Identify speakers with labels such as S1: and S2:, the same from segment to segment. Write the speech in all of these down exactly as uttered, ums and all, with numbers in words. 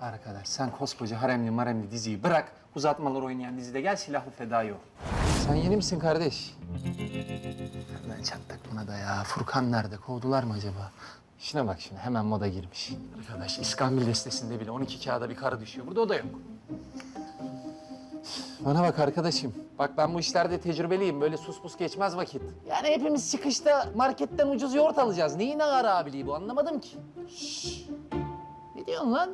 S1: Arkadaş sen koskoca haremli maremli diziyi bırak. Uzatmalar oynayan dizide gel silahlı fedai ol. Sen yeni misin kardeş? Nereden çattık buna da ya? Furkan nerede? Kovdular mı acaba? Şuna bak şimdi hemen moda girmiş. Arkadaş İskambil destesinde bile on iki kağıda bir karı düşüyor. Burada o da yok. Bana bak arkadaşım. Bak ben bu işlerde tecrübeliyim. Böyle sus pus geçmez vakit. Yani hepimiz çıkışta marketten ucuz yoğurt alacağız. Neyin ağır abiliği bu anlamadım ki. Şşş. Ne diyorsun lan?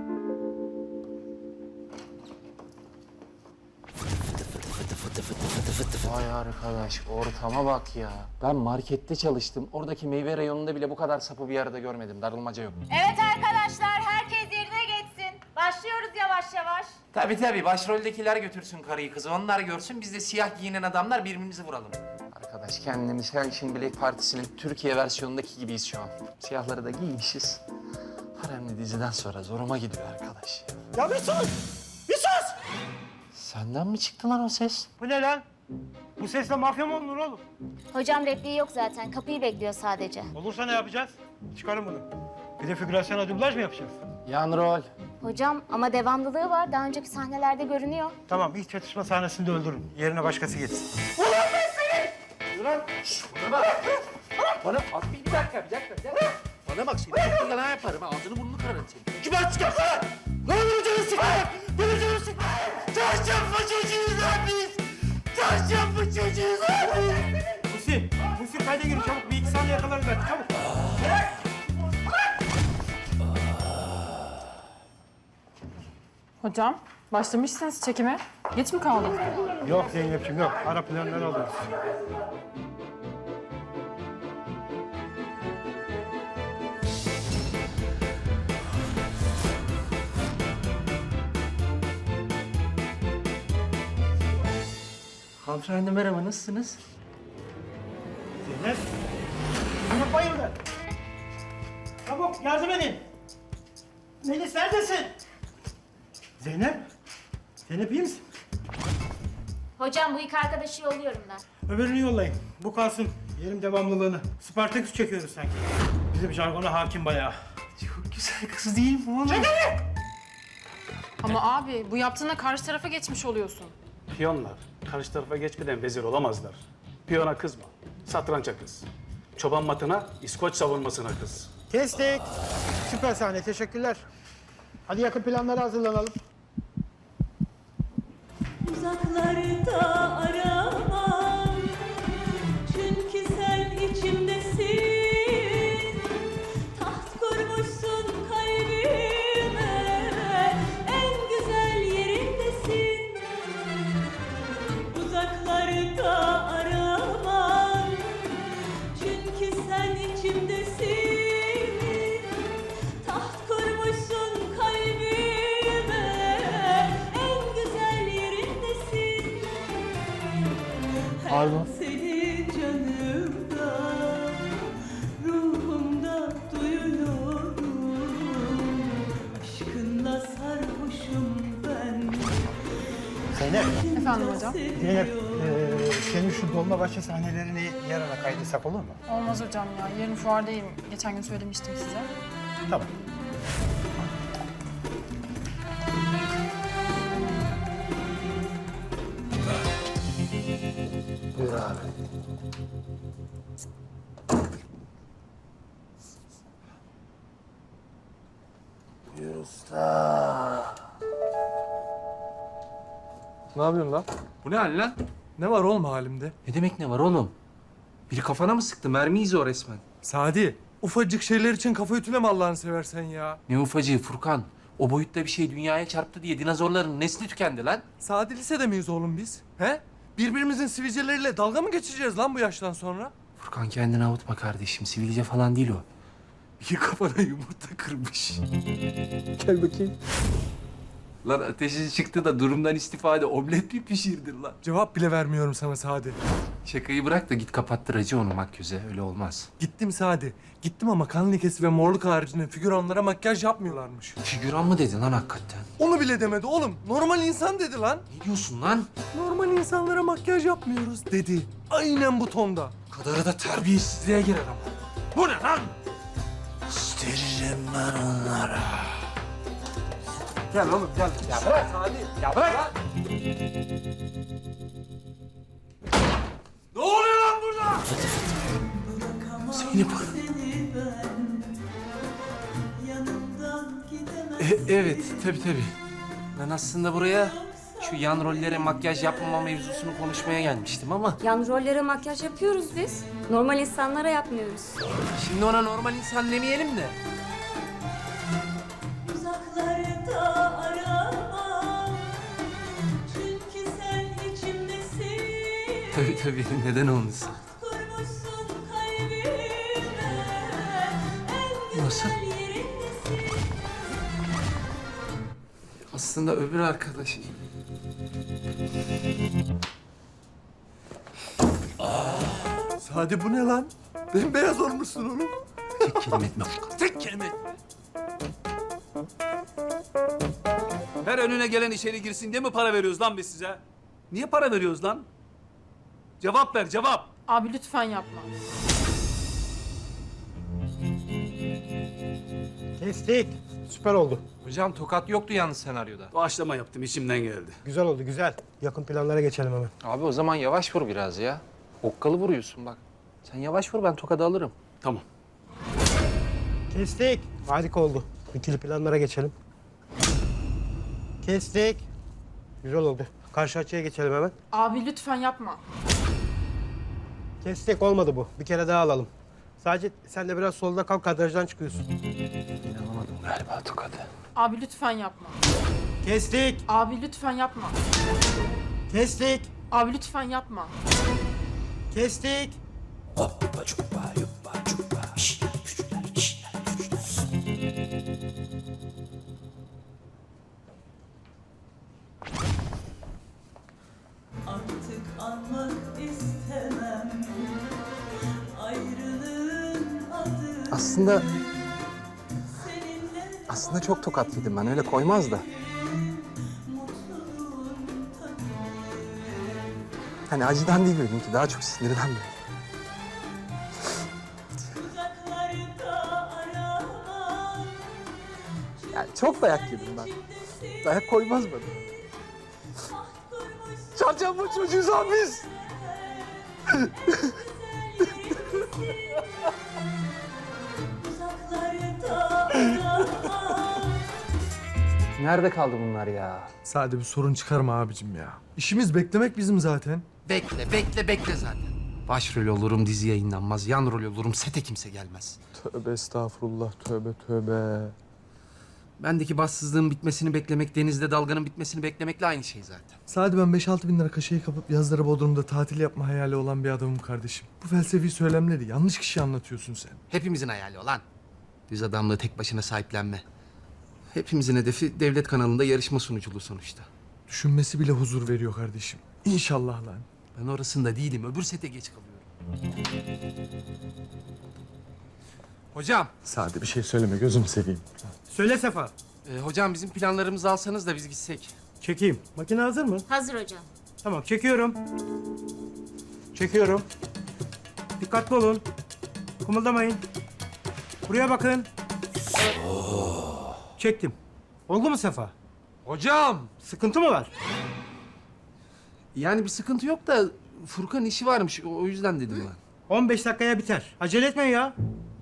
S1: Vay arkadaş ortama bak ya. Ben markette çalıştım. Oradaki meyve reyonunda bile bu kadar sapı bir arada görmedim. Darılmaca yok.
S2: Evet arkadaşlar, herkes yerine geçsin. Başlıyoruz yavaş yavaş.
S1: Tabii tabii. Başroldekiler götürsün karıyı kızı. Onlar görsün. Biz de siyah giyinen adamlar birbirimizi vuralım. Arkadaş kendimiz her işin Black Partisi'nin Türkiye versiyonundaki gibiyiz şu an. Siyahları da giymişiz. Haremli diziden sonra zoruma gidiyor arkadaş ya.
S3: Ya bir sus! Bir sus!
S1: Senden mi çıktı lan o ses?
S3: Bu ne lan? Bu sesle mafya mı olunur oğlum?
S2: Hocam repliği yok zaten, kapıyı bekliyor sadece.
S3: Olursa ne yapacağız? Çıkarın bunu. Bir de figürasyona dublaj mı yapacağız?
S1: Yan rol.
S2: Hocam ama devamlılığı var, daha önceki sahnelerde görünüyor.
S3: Tamam, ilk çatışma sahnesinde öldürün. Yerine başkası geçsin.
S1: Bana bak. Bana bak bir, bir dakika, bir dakika, bir dakika. Bana bak seni çok yalan yaparım. Ağzını burnunu kırarım seni.
S3: Kibar çıkar sana! Ne olur canını sıkma! Benim canımı sıkma! Çarşamba çocuğuyuz lan biz! Çarşamba çocuğuyuz lan biz! Musi, Musi kayda girin çabuk. Bir iki saniye yakalarız belki çabuk.
S4: Hocam, başlamışsınız çekime. Geç mi kaldım?
S3: Yok Zeynep'ciğim yok. Ara planları alıyoruz.
S1: Hanımefendi merhaba, nasılsınız?
S3: Zeynep. Zeynep bayıldı. Çabuk yardım edin. Melis neredesin? Zeynep. Zeynep iyi misin?
S2: Hocam bu ilk arkadaşı yolluyorum ben.
S3: Öbürünü yollayın. Bu kalsın. Yerim devamlılığını. Spartaküs çekiyoruz sanki. Bizim jargona hakim bayağı.
S1: Çok güzel kız değil mi oğlum?
S4: Ama abi bu yaptığına karşı tarafa geçmiş oluyorsun.
S5: Piyonlar karşı tarafa geçmeden vezir olamazlar. Piyona kızma, satrança kız. Çoban matına, İskoç savunmasına kız.
S3: Kestik. Süper sahne. Teşekkürler. Hadi yakın planlara hazırlanalım.
S6: Uzaklarda aramam, çünkü sen içimdesin. Taht kurmuşsun kalbime, en güzel yerindesin. Uzaklarda aramam, çünkü sen içimdesin. Taht kurmuşsun kalbime, en güzel yerindesin.
S1: Pardon.
S6: Seni canımda, ruhumda duyuyorum. Aşkınla sarhoşum ben.
S3: Zeynep.
S4: Efendim hocam?
S3: Zeynep. Ee, senin şu Dolmabahçe sahnelerini yarına kaydetsak olur mu?
S4: Olmaz hocam ya. Yarın fuardayım. Geçen gün söylemiştim size.
S3: Tamam.
S1: Buyur abi. Buyur usta.
S7: Ne yapıyorsun lan?
S1: Bu ne hal lan?
S7: Ne var oğlum halimde?
S1: Ne demek ne var oğlum? Biri kafana mı sıktı? Mermiyiz o resmen.
S7: Sadi, ufacık şeyler için kafa ütüleme Allah'ını seversen ya.
S1: Ne ufacığı Furkan? O boyutta bir şey dünyaya çarptı diye dinozorların nesli tükendi lan.
S7: Sadi lisede miyiz oğlum biz? He? Birbirimizin sivilceleriyle dalga mı geçeceğiz lan bu yaştan sonra?
S1: Furkan kendini avutma kardeşim. Sivilce falan değil o. Bir kafana yumurta kırmış.
S7: Gel bakayım.
S1: Lan ateşi çıktı da durumdan istifade omlet mi pişirdin lan?
S7: Cevap bile vermiyorum sana Sadi.
S1: Şakayı bırak da git kapattır acı onu makyöze. Öyle olmaz.
S7: Gittim Sadi. Gittim ama kan lekesi ve morluk haricinde figüranlara makyaj yapmıyorlarmış.
S1: Figüran mı dedin lan hakikaten?
S7: Onu bile demedi oğlum. Normal insan dedi lan.
S1: Ne diyorsun lan?
S7: Normal insanlara makyaj yapmıyoruz dedi. Aynen bu tonda.
S1: Kadarı da terbiyesizliğe girer ama. Bu ne lan? Gösteririm ben onlara.
S7: Gel oğlum gel. Ya bırak Salih. Ya bırak. Ne oluyor lan burada?
S1: Zeynep.
S6: Yanımdan gidemem.
S1: E, evet, tabii tabii. Ben aslında buraya şu yan rollere makyaj yapmama mevzusunu konuşmaya gelmiştim ama...
S8: Yan rollere makyaj yapıyoruz biz. Normal insanlara yapmıyoruz.
S1: Şimdi ona normal insan demeyelim de.
S6: Uzaklarda aramam. Çünkü sen içimdesin.
S1: Tabii tabii, neden olmasın?
S6: Kurmuşsun kalbime. En
S1: Nasıl?
S6: güzel yerindesin.
S1: Aslında öbür arkadaş.
S7: Sadi bu ne lan? Bembeyaz olmuşsun oğlum.
S1: Tek kelime etme.
S7: Tek kelime.
S9: Her önüne gelen içeri girsin diye mi para veriyoruz lan biz size? Niye para veriyoruz lan? Cevap ver, cevap.
S4: Abi lütfen yapma.
S3: Kestik. Süper oldu.
S1: Hocam tokat yoktu yalnız senaryoda.
S9: Doğaçlama yaptım, içimden geldi.
S3: Güzel oldu güzel. Yakın planlara geçelim hemen.
S1: Abi o zaman yavaş vur biraz ya. Okkalı vuruyorsun bak. Sen yavaş vur, ben tokadı alırım.
S9: Tamam.
S3: Kestik. Harika oldu. İkili planlara geçelim. Kestik. Güzel oldu. Karşı açıya geçelim hemen.
S4: Abi lütfen yapma.
S3: Kestik olmadı bu. Bir kere daha alalım. Sadece sen de biraz solda kal, kadrajdan çıkıyorsun.
S1: İnanamadım galiba tokadı.
S4: Abi lütfen yapma.
S3: Kestik.
S4: Abi lütfen yapma.
S3: Kestik.
S4: Abi lütfen yapma.
S3: Kestik.
S6: Artık anmak istemem. Ayrılığın adı
S1: Aslında
S6: seninle
S1: aslında çok tokat yedim ben, öyle koymaz da.
S6: mutluluğun tadı.
S1: Hani acıdan değil benimki, daha çok sinirden böyle.
S6: Uzaklarda aramam.
S1: Yani çok dayak yedim ben. Dayak koymaz bana. Çarçamba çocuğuz abi biz.
S6: Uzaklarda aramam.
S1: Nerede kaldı bunlar ya?
S7: Sadi bir sorun çıkarma abicim ya. İşimiz beklemek bizim zaten.
S1: Bekle, bekle, bekle zaten. Başrol olurum, dizi yayınlanmaz. Yan rol olurum, sete kimse gelmez.
S7: Tövbe estağfurullah, tövbe tövbe.
S1: Bendeki bassızlığın bitmesini beklemek, denizde dalganın bitmesini beklemekle aynı şey zaten.
S7: Sadi ben beş altı bin lira kaşeyi kapıp yazları Bodrum'da tatil yapma hayali olan bir adamım kardeşim. Bu felsefi söylemleri yanlış kişi anlatıyorsun sen.
S1: Hepimizin hayali olan. Düz adamlığı tek başına sahiplenme. Hepimizin hedefi devlet kanalında yarışma sunuculuğu sonuçta.
S7: Düşünmesi bile huzur veriyor kardeşim. İnşallah lan.
S1: Ben orasında değilim, öbür sete geç kalıyorum. Hocam,
S7: Sadi bir şey söyleme gözüm seveyim.
S3: Söyle Sefa.
S1: e, hocam bizim planlarımızı alsanız da biz gitsek.
S3: Çekeyim. Makine hazır mı?
S2: Hazır hocam.
S3: Tamam çekiyorum. Çekiyorum. Dikkatli olun. Kımıldamayın. Buraya bakın. Çektim. Oldu mu Sefa?
S1: Hocam!
S3: Sıkıntı mı var?
S1: Yani bir sıkıntı yok da Furkan işi varmış, o o yüzden dedim ben.
S3: on beş dakikaya biter. Acele etmeyin ya.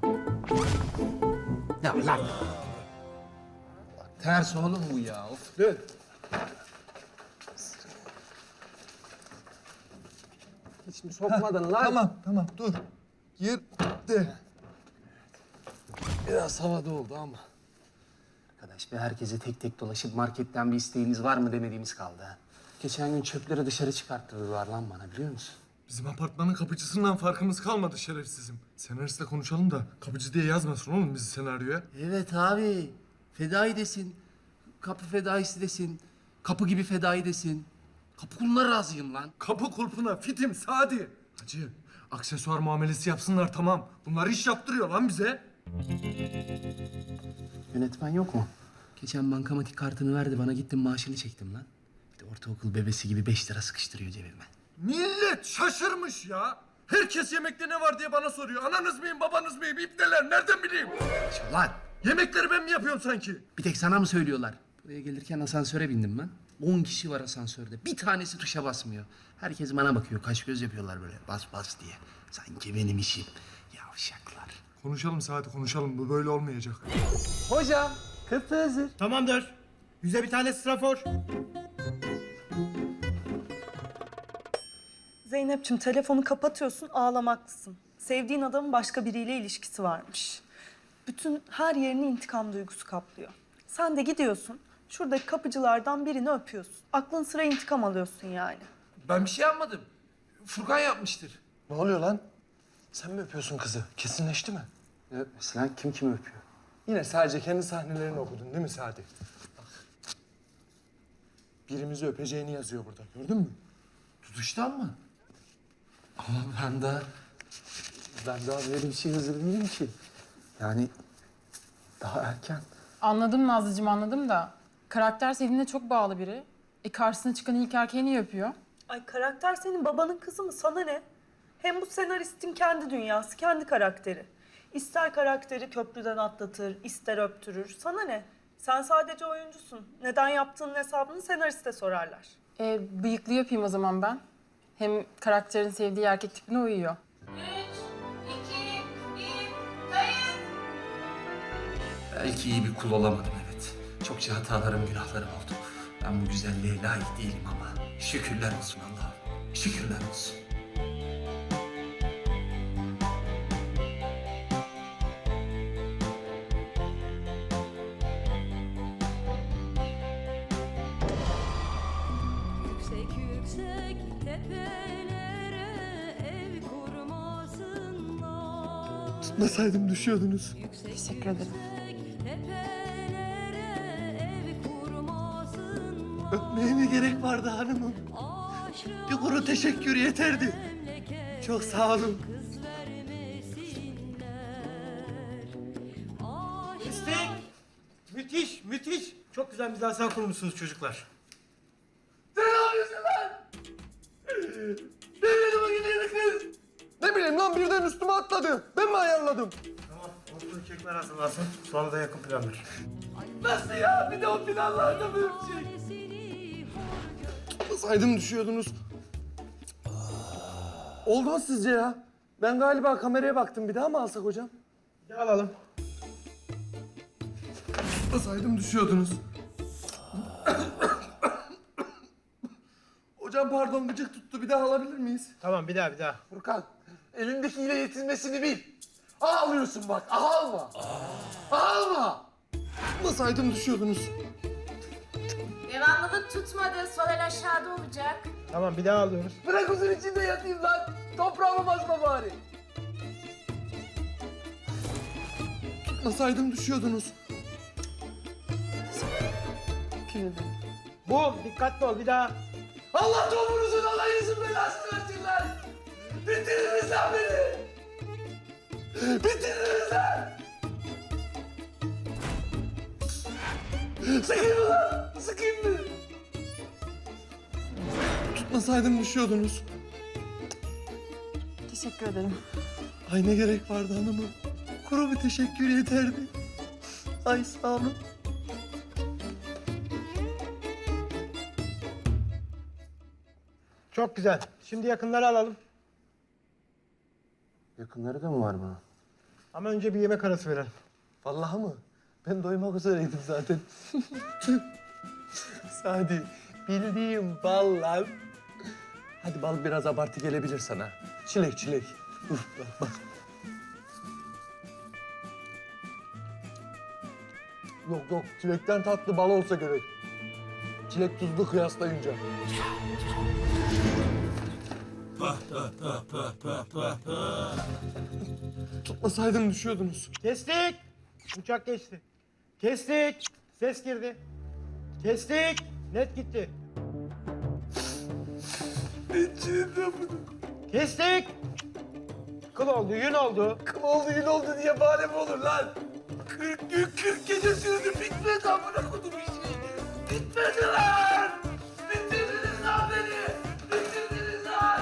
S1: Ya lan! Ters oğlum bu ya, of. Dön. Hiç mi sokmadın lan?
S7: Tamam tamam dur. Girdi.
S1: Biraz havada oldu ama. Arkadaş be, herkese tek tek dolaşıp marketten bir isteğiniz var mı demediğimiz kaldı ha. Geçen gün çöpleri dışarı çıkarttırdılar lan bana, biliyor musun?
S7: Bizim apartmanın kapıcısından farkımız kalmadı şerefsizim. Senaristle konuşalım da kapıcı diye yazmasın oğlum bizi senaryoya.
S1: Evet abi. Fedai desin. Kapı fedaisi desin. Kapı gibi fedai desin. Kapı kuluna razıyım lan.
S7: Kapı kulpuna fitim Sadi. Hacı aksesuar muamelesi yapsınlar tamam. Bunlar iş yaptırıyor lan bize.
S1: Yönetmen yok mu? Geçen bankamatik kartını verdi bana, gittim maaşını çektim lan. Bir de ortaokul bebesi gibi beş lira sıkıştırıyor cebime.
S7: Millet şaşırmış ya. Herkes yemekte ne var diye bana soruyor. Ananız mıyım, babanız mıyım, ipneler nereden bileyim?
S1: Lan
S7: Yemekleri ben mi yapıyorum sanki?
S1: bir tek sana mı söylüyorlar? Buraya gelirken asansöre bindim ben. On kişi var asansörde. Bir tanesi tuşa basmıyor. Herkes bana bakıyor. Kaş göz yapıyorlar böyle. Bas bas diye. Sanki benim işim. Yavşaklar.
S7: Konuşalım Sadi konuşalım. Bu böyle olmayacak.
S1: Hocam, köfte hazır.
S3: Tamamdır. Yüze bir tane strafor.
S10: Zeynep'ciğim telefonu kapatıyorsun, ağlamaklısın. Sevdiğin adamın başka biriyle ilişkisi varmış. Bütün her yerini intikam duygusu kaplıyor. Sen de gidiyorsun, şuradaki kapıcılardan birini öpüyorsun. Aklın sıra intikam alıyorsun yani.
S1: Ben bir şey yapmadım. Furkan yapmıştır.
S7: Ne oluyor lan? Sen mi öpüyorsun kızı? Kesinleşti mi?
S1: Ne öpmesi lan? Kim kimi öpüyor?
S7: Yine sadece kendi sahnelerini okudun değil mi Sadi? Bak. Birimizi öpeceğini yazıyor burada. Gördün mü?
S1: Tutuştan mı? Ama ben daha... Ben daha böyle bir şey hazır değilim ki. Yani daha erken.
S4: Anladım Nazlıcığım, anladım da. Karakter sevdiğine çok bağlı biri. E karşısına çıkan ilk erkeği niye öpüyor?
S10: Ay karakter senin babanın kızı mı? Sana ne? Hem bu senaristin kendi dünyası, kendi karakteri. İster karakteri köprüden atlatır, ister öptürür. Sana ne? Sen sadece oyuncusun. Neden yaptığının hesabını senariste sorarlar.
S4: E bıyıklı yapayım o zaman ben. Hem karakterin sevdiği erkek tipine uyuyor.
S2: Üç, iki, bir, kayıt.
S1: Belki iyi bir kul olamadım evet. Çokça hatalarım, günahlarım oldu. Ben bu güzelliğe layık değilim ama şükürler olsun Allah'ım. Şükürler olsun.
S6: Yüksek yüksek tepelere ev kurmasınlar.
S7: Tutmasaydım düşüyordunuz.
S4: Teşekkür ederim.
S6: Tepelere ev kurmasınlar.
S7: Öpmeye ne gerek vardı hanımım? Bir kuru teşekkür yeterdi. Çok sağ olun.
S6: Kız vermesinler.
S3: Destek. Müthiş, müthiş. Çok güzel mizansen kurmuşsunuz çocuklar.
S7: Ne bileyim lan birden üstüme atladı. Ben mi ayarladım?
S3: Tamam, ortalığı kekler hazırlansın. Sonra da yakın planlar.
S1: Nasıl ya? Bir de o planlarda böyle bir şey.
S7: Tutmasaydım düşüyordunuz. Oldu mu sizce ya? Ben galiba kameraya baktım. Bir daha mı alsak hocam?
S3: Bir de alalım.
S7: Tutmasaydım düşüyordunuz. Hocam pardon gıcık tuttu. Bir daha alabilir miyiz?
S3: Tamam, bir daha, bir daha.
S1: Furkan, elindekiyle yetinmesini bil. Ağlıyorsun bak, ağlama. Ağlama.
S7: Tutmasaydım düşüyordunuz.
S2: Devamlılık tutmadı. Sol el aşağıda olacak.
S3: Tamam, bir daha alıyoruz.
S1: Bırak huzur içinde yatayım lan. Toprağıma basma bari.
S7: Tutmasaydım düşüyordunuz.
S3: Bu, dikkatli ol, bir daha.
S1: Allah topunuzun, alayınızın belasını versin lan. Bitiririz lan beni. Bitiririz lan. Sıkayım mı lan? Sıkayım mı?
S7: Tutmasaydım düşüyordunuz.
S4: Teşekkür ederim.
S7: Ay ne gerek vardı hanımım. Kuru bir teşekkür yeterdi. Ay sağ olun.
S3: Çok güzel. Şimdi yakınları alalım.
S1: Yakınları da mı var bunun?
S3: Ama önce bir yemek arası verelim.
S7: Vallahi mı? Ben doymak üzereydim zaten. Sadi, bildiğim bal lan. Hadi bal biraz abartı gelebilir sana. Çilek çilek. Uf, bak bak. Yok yok, çilekten tatlı bal olsa gerek. Çilek tuzlu kıyaslayınca. Tutmasaydım düşüyordunuz.
S3: Kestik. Uçak geçti. Kestik. Ses girdi. Kestik. Net gitti. Kestik. Kıl oldu, yün oldu.
S1: Kıl oldu, yün oldu diye bahane mi olur lan? Kırk gün, kırk gece sürdü. Bitmedi amına kodum işi. Bitmedi lan! Bitirdiniz lan beni! Bitirdiniz lan!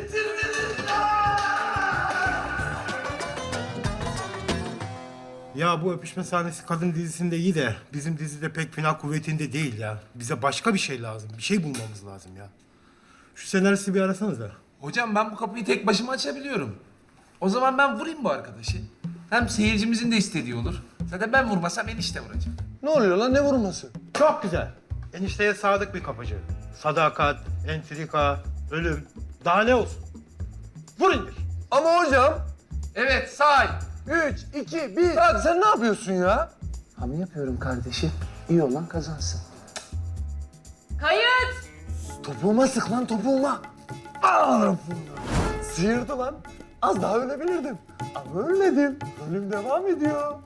S1: Bitirdiniz lan!
S3: Ya Ya bu öpüşme sahnesi kadın dizisinde iyi de bizim dizide pek final kuvvetinde değil ya. Bize başka bir şey lazım. Bir şey bulmamız lazım ya. Şu senaristi bir arasanıza.
S1: Hocam ben bu kapıyı tek başıma açabiliyorum. O zaman ben vurayım bu arkadaşı. Hem seyircimizin de istediği olur. Zaten ben vurmasam enişte vuracak.
S7: Ne oluyor lan, ne vurması?
S3: Çok güzel. Enişteye sadık bir kapıcı. Sadakat, entrika, ölüm. Daha ne olsun? Vur indir.
S7: Ama hocam.
S1: Evet say.
S7: Üç, iki, bir. Lan sen ne yapıyorsun ya?
S1: Hamle yapıyorum kardeşim. İyi olan kazansın.
S2: Kayıt.
S7: Topuğuma sık lan, topuğuma. Aa, sıyırdı lan. Az daha ölebilirdim. Ama ölmedim. Ölüm devam ediyor.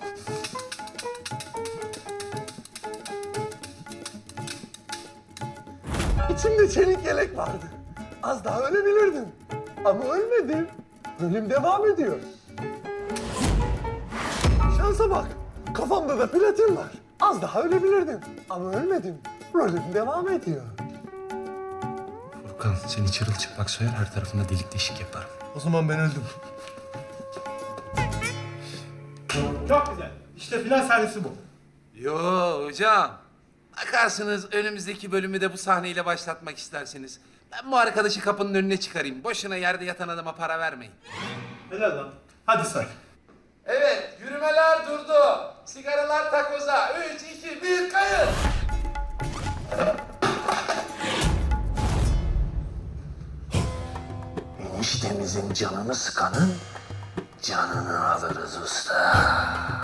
S7: İçimde çelik yelek vardı. Az daha ölebilirdim. Ama ölmedim. Ölüm devam ediyor. Şansa bak. Kafamda da platin var. Az daha ölebilirdim. Ama ölmedim. Ölüm devam ediyor.
S1: Furkan seni çırılçıplak soyar, her tarafına delik deşik yaparım.
S7: O zaman ben öldüm.
S3: Çok güzel. İşte final sahnesi bu.
S1: Yo hocam. Bakarsınız önümüzdeki bölümü de bu sahneyle başlatmak isterseniz. Ben bu arkadaşı kapının önüne çıkarayım. Boşuna yerde yatan adama para vermeyin.
S3: Helal lan. Hadi say.
S1: Evet, yürümeler durdu. Sigaralar takoza. Üç, iki, bir, kayıt. Eniştemizin canını sıkanın canını alırız usta.